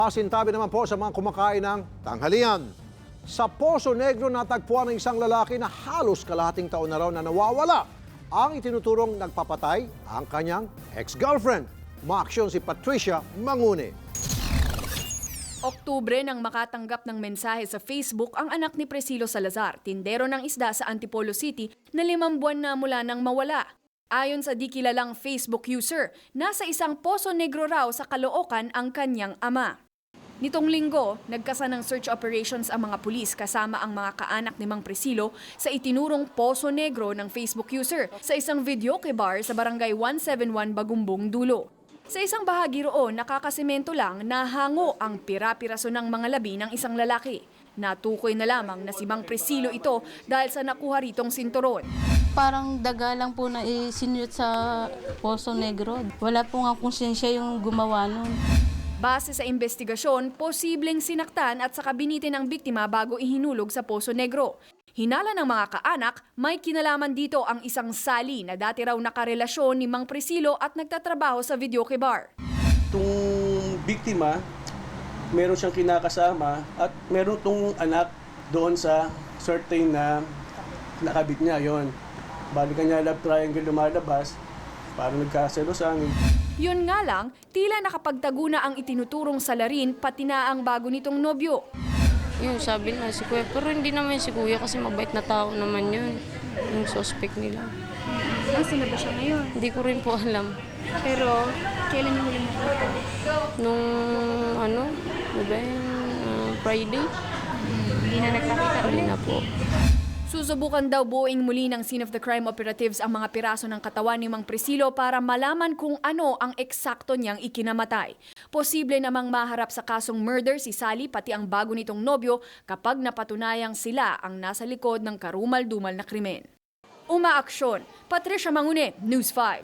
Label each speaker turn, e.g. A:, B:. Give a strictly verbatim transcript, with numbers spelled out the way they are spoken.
A: Pasintabi naman po sa mga kumakain ng tanghalian. Sa Poso Negro natagpuan ng isang lalaki na halos kalahating taon na raw na nawawala. Ang itinuturong nagpapatay ang kanyang ex-girlfriend. Maaksyon si Patricia Mangune.
B: Oktubre nang makatanggap ng mensahe sa Facebook ang anak ni Priscilo Salazar, tindero ng isda sa Antipolo City na limang buwan na mula nang mawala. Ayon sa di kilalang Facebook user, nasa isang Poso Negro raw sa Caloocan ang kanyang ama. Nitong linggo, nagkasa ng search operations ang mga pulis kasama ang mga kaanak ni Mang Priscilo sa itinurong Poso Negro ng Facebook user sa isang videoke bar sa barangay one seventy-one Bagumbong, Dulo. Sa isang bahagi roon, nakakasemento lang na hango ang pira-piraso ng mga labi ng isang lalaki. Natukoy na lamang na si Mang Priscilo ito dahil sa nakuha ritong sinturon.
C: Parang daga lang po na isinyot sa Poso Negro. Wala po nga konsensya yung gumawa nun.
B: Base sa investigasyon, posibleng sinaktan at saka binitin ang biktima bago ihinulog sa Poso Negro. Hinala ng mga kaanak, may kinalaman dito ang isang Sally na dati raw nakarelasyon ni Mang Priscilo at nagtatrabaho sa videoke bar.
D: Itong biktima, meron siyang kinakasama at meron itong anak doon sa certain na nakabit niya yon. Balikan niya love triangle lumalabas, parang nagkaselosan.
B: Yun nga lang, tila nakapagtago na ang itinuturong salarin pati na ang bago nitong nobyo.
C: Yun, sabi na si Kuya. Pero hindi naman si Kuya kasi mabait na tao naman yun. Yung suspect nila.
B: Nasaan na ba siya ngayon?
C: Hindi ko rin po alam.
B: Pero kailan yung huli mo ito?
C: Nung ano, ano ba yun? Uh, Friday?
B: Hindi na nagpakita
C: Hindi na po.
B: Susubukan daw buuing muli ng scene of the crime operatives ang mga piraso ng katawan ni Mang Priscilo para malaman kung ano ang eksakto niyang ikinamatay. Posible namang maharap sa kasong murder si Sally pati ang bago nitong nobyo kapag napatunayang sila ang nasa likod ng karumal-dumal na krimen. Umaaksyon, Patricia Mangune, News five.